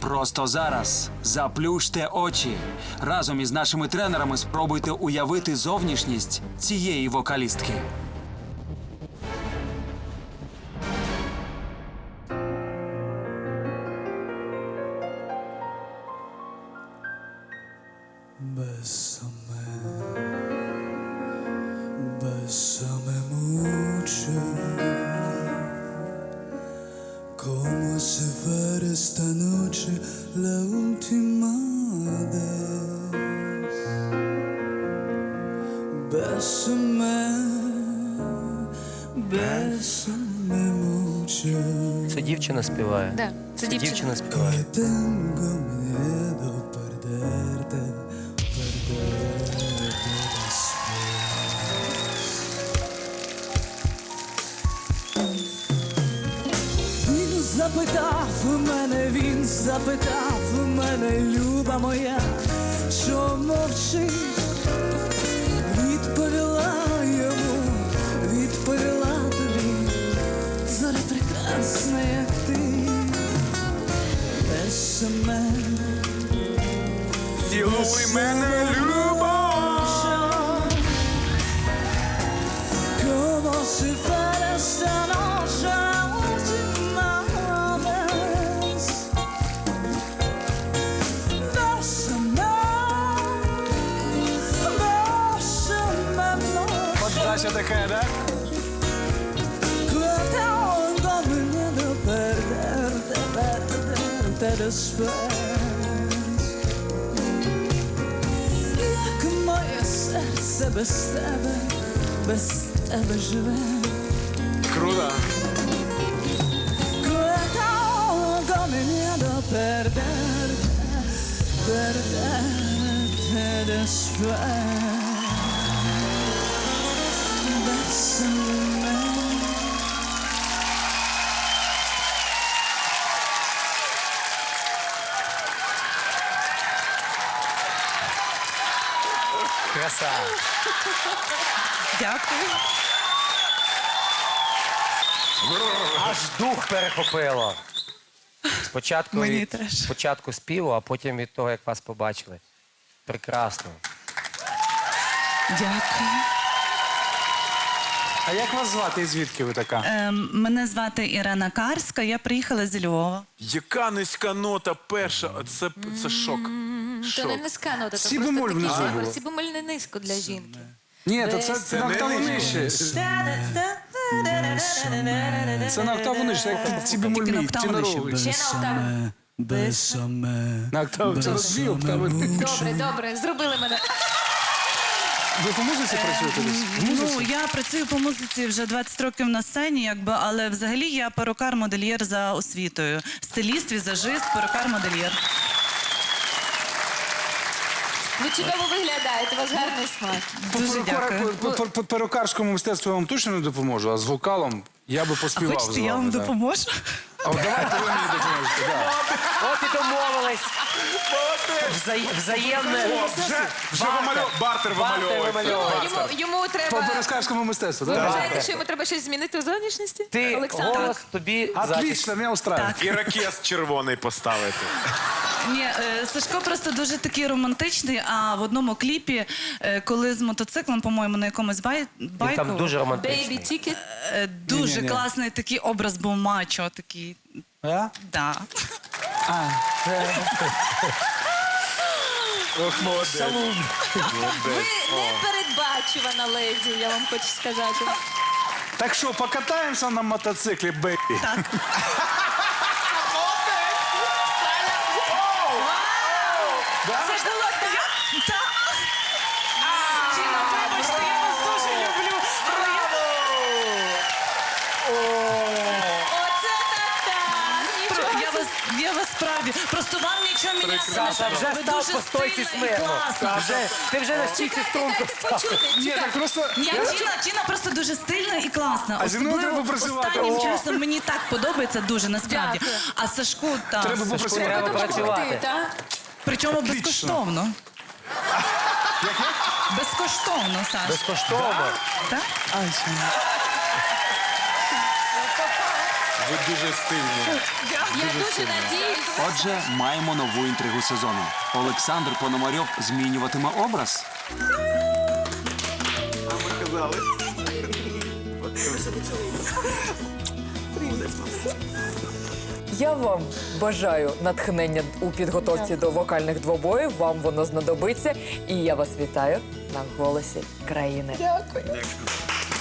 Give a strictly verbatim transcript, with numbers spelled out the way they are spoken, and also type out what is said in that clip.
Просто зараз заплющте очі. Разом із нашими тренерами спробуйте уявити зовнішність цієї вокалістки. Bésame, bésame mucho, como si fuera esta noche la última vez. Bésame, bésame mucho. Це дівчина співає. Да, це дівчина. Дівчина співає. Que tengo miedo perderte, perderte después. Він запитав у мене, він запитав у мене, люба моя, що мовчиш? Відповіла йому, відповіла тобі, зоря прекрасна, як ти. Бésame, Цілуй мене, любов. como si fuera esta noche la última vez. Bésame, bésame mucho. Подача така, да? Que tengo miedo perderte, perderte después. Як моє серце без тебе, без тебе живе. Круто. Que tengo miedo perderte, perderte después. Bésame. Краса. Дякую. Аж дух перехопило. Спочатку Мені від теж. спочатку співу, а потім від того, як вас побачили. Прекрасно. Дякую. А як вас звати і звідки ви така? Ем, Мене звати Ірена Карська, я приїхала з Львова. Яка низька нота перша? Це, це шок. То не низька нота, то Сі просто бемоль такий внизу жанр. було. Сі бемоль не низько для жінки. Ні, то це, це на октаву нижче. Це на октаву нижче, як ці бемоль Тільки на мій, октаву теноровий. Ще на октаву. Bésame, На октаву, це дві октави. Добре, добре, зробили мене. Ви по музиці працюєте десь? В Ну, музиці? я працюю по музиці вже двадцять років на сцені, якби, але взагалі я перукар-модельєр за освітою. Стиліст, візажист, перукар-модельєр. Ви чудово виглядаєте, у вас гарний смак. По Дуже перукар- дякую. по- по- по перукарському мистецтву я вам точно не допоможу, а з вокалом я би А поспівав з хочете, вами. я вам да. допоможу? А от давайте ви мені допоможете. Да. От і домовились. Взаємне. Взаємне. Вже, вже вимальов... бартер вимальовується. вимальовується. Йому, йому По треба... перукарському мистецтву, Ви так? вважаєте, що йому треба щось змінити у зовнішності? Ти Олександр? голос тобі захист. Отлично, мене устраивает. І ракет червоний поставити. Ні, е, Сашко просто дуже такий романтичний, а в одному кліпі, е, коли з мотоциклом, по-моєму, на якомусь бай... Він байку, там дуже Baby романтичний. Ticket. е, дуже Ні-ні-ні. класний такий образ був мачо, такий, А? да. Ох, молодець. Ви непередбачувана леді, я вам хочу сказати. Так що, покатаємося на мотоциклі, бейбі? Так. Це ж було так. Тіна, вибачте, я вас дуже люблю. але я- Оце так-так. Про- Я вас, я вас справді. Просто вам нічого міняти не Саша, треба. вже Ви став дуже по стойці стильна і смирно. класна. Вже, ти вже на стійці струнку Дайте став. почути. Ні, Чекай. так просто... Ні, Тіна, Тіна просто дуже стильна і класна. А зі мною Особливо треба працювати. останнім О. часом мені так подобається дуже, насправді. Дякую. А Сашку, так. Треба попрацювати. Треба Допомогти, працювати. так? Причому Отлично. безкоштовно. Безкоштовно, Саш. Безкоштовно. Так? Ви дуже стильні. Я дуже надіюсь. Отже, маємо нову інтригу сезону. Олександр Пономарьов змінюватиме образ. Я вам бажаю натхнення у підготовці до вокальних двобоїв. Вам воно знадобиться. І я вас вітаю на «Голосі країни». Дякую.